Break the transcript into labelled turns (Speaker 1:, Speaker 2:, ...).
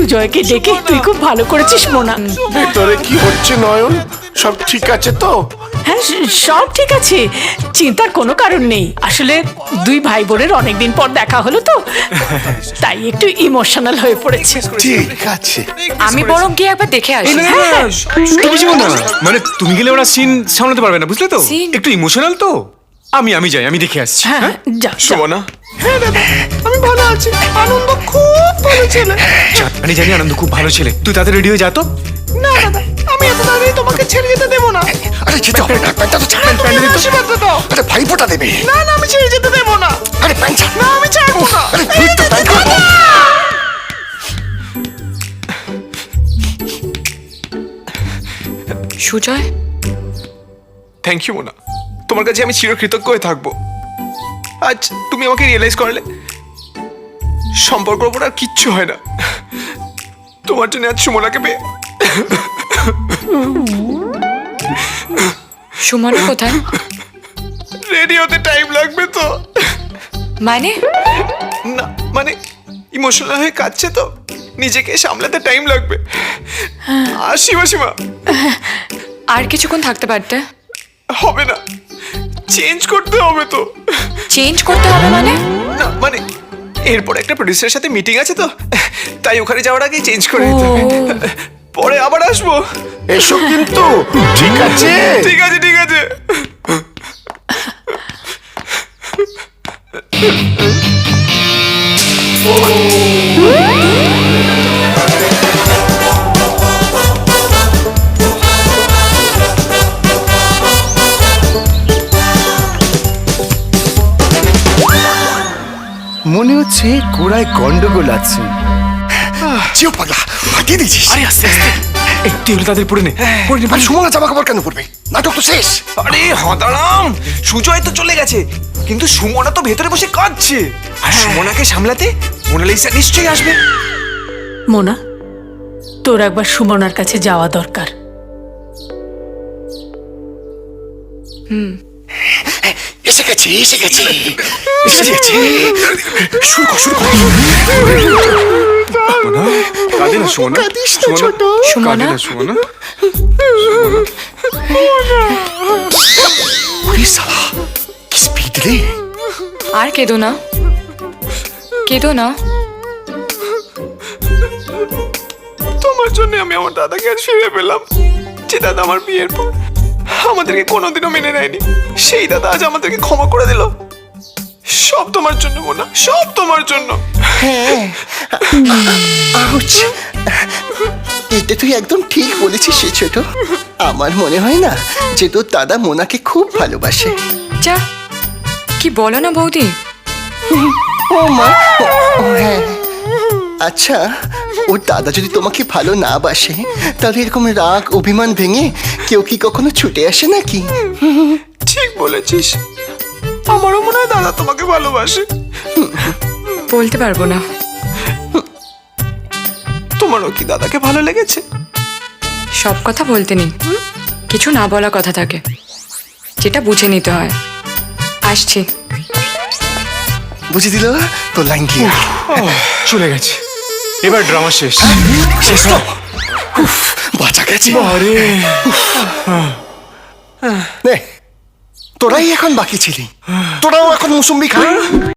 Speaker 1: সুজয়কে ডেকে তুই খুব ভালো করেছিস মোনা।
Speaker 2: ভেতরে কি হচ্ছে নয়ন? সব ঠিক আছে তো?
Speaker 1: হ্যাঁ, সব ঠিক আছে, চিন্তার কোনো কারণ নেই। আসলে দুই ভাই বোনের অনেকদিন পর দেখা হলো তো, তাই একটু ইমোশনাল হয়ে পড়েছে।
Speaker 2: ঠিক আছে।
Speaker 3: আমি বরং গিয়ে একবার দেখে আসি।
Speaker 4: কিছু না, মানে তুমি গেলে ওরা সিন সামলাতে পারবে না, বুঝলে তো?
Speaker 3: Scene?
Speaker 4: একটু ইমোশনাল তো। আমি যাই, আমি দেখে আসছি।
Speaker 1: হ্যাঁ, যা যা।
Speaker 4: শোভনা,
Speaker 2: হ্যাঁ দাদা, আমি ভালো আছি। আনন্দ খুব ভালো ছেলে।
Speaker 4: জানি আনন্দ খুব ভালো ছেলে। তুই তাড়াতাড়ি রেডি হয়ে যা তো।
Speaker 2: না দাদা, আমি এত তাড়াতাড়ি তোমাকে ছেড়ে যেতে দেবো না।
Speaker 5: আরে যেতে হবে না, প্যান্টটা তো ছাড়।
Speaker 2: তুমি আমার আশীর্বাদটা দাও।
Speaker 5: আরে ভাইফোঁটা দেবে।
Speaker 2: না না, আমি ছেড়ে যেতে দেবো না।
Speaker 5: আরে প্যান্ট ছাড়।
Speaker 2: না, আমি ছাড়বো না।
Speaker 5: আরে তুই তো প্যান্ট ছাড়।
Speaker 3: সুজয়,
Speaker 6: থ্যাংক ইউ মোনা, তোমার কাছে আমি চিরকৃতজ্ঞ হয়ে থাকবো। আজ তুমি আমাকে রিয়েলাইজ করলে সম্পর্কের উপর আর কিচ্ছু হয় না। তোমার জন্য আজ সুমনাকে পেয়ে।
Speaker 3: সুমনা কোথায়?
Speaker 6: রেডি হতে টাইম লাগবে তো।
Speaker 3: মানে
Speaker 6: না মানে ইমোশনাল হয়ে কাঁদছে তো, নিজেকে সামলাতে টাইম লাগবে। আসি মাসিমা।
Speaker 3: আর কিছুক্ষণ থাকতে পারতে?
Speaker 6: হবে না, চেঞ্জ করতে হবে তো।
Speaker 3: চেঞ্জ করতে হবে মানে?
Speaker 6: না মানে এরপর একটা প্রডিউসারের সাথে মিটিং আছে তো, তাই ওখানে যাওয়ার আগে চেঞ্জ করে দিতে হবে। পরে আবার আসবো।
Speaker 2: এসো কিন্তু, ঠিক আছে?
Speaker 6: ঠিক আছে ঠিক আছে।
Speaker 5: মনে হচ্ছে গোড়ায় গন্ডগোল আছে। চিও পাগলা, ফাটিয়ে দিয়েছিস।
Speaker 4: আরে আস্তে আস্তে, একটু হলে তাদের পড়ে নে।
Speaker 5: আর সুমনা জামা কাপড় কেন পরবে? নাটক তো শেষ।
Speaker 6: আরে হদারাম, সুজয় তো চলে গেছে, কিন্তু সুমনা তো ভেতরে বসে কাঁদছে। আর সুমনাকে সামলাতে মোনালিসা নিশ্চয়ই আসবে।
Speaker 1: মোনা, তোর একবার সুমনার কাছে যাওয়া দরকার।
Speaker 5: এসে গেছে, এসে গেছে, এসে গেছে। শুরু কর, শুরু কর।
Speaker 4: কাঁদে না সুমনা।
Speaker 2: কাঁদিস না ছোট।
Speaker 3: সুমনা,
Speaker 4: সুমনা।
Speaker 5: ওরে শালা, কি স্পিড রে!
Speaker 3: আর কেঁদো না, কেঁদো না।
Speaker 6: তোমার জন্য আমি আমার দাদাকে আজ ফিরে পেলাম। যে দাদা আমার বিয়ের পর আমাদেরকে কোনোদিনও মেনে নেয়নি, সেই দাদা আজ আমাদেরকে ক্ষমা করে দিল। সব তোমার জন্য মোনা, সব তোমার জন্য।
Speaker 5: আউচ! এটা তুই একদম ঠিক বলেছিস সে ছোট। আমার মনে হয় না যে তোর দাদা মোনাকে খুব ভালোবাসে।
Speaker 3: যা, কি বলো না বৌদি?
Speaker 5: ও মা, ও হ্যাঁ। আচ্ছা, ওর দাদা যদি তোমাকে ভালো না বাসে, তাহলে এরকম রাগ অভিমান ভেঙে কেউ কি কখনো ছুটে আসে নাকি?
Speaker 6: ঠিক বলেছিস, আমারও মনে হয় দাদা তোমাকে ভালোবাসে।
Speaker 3: বলতে পারবো না।
Speaker 6: তোমারও কি দাদাকে ভালো লেগেছে?
Speaker 3: সব কথা বলতে নেই, কিছু না বলা কথা থাকে, যেটা বুঝে নিতে হয়। আসছি।
Speaker 5: বুঝে দিল তোর লাইন কি?
Speaker 4: চলে গেছে, এবার ড্রামা শেষ।
Speaker 5: শেষ তো? উফ, বাঁচা গেছে।
Speaker 4: আরে
Speaker 5: নে, তোরাই এখন বাকি ছিলি। তোরাও এখন মুসম্বি খা।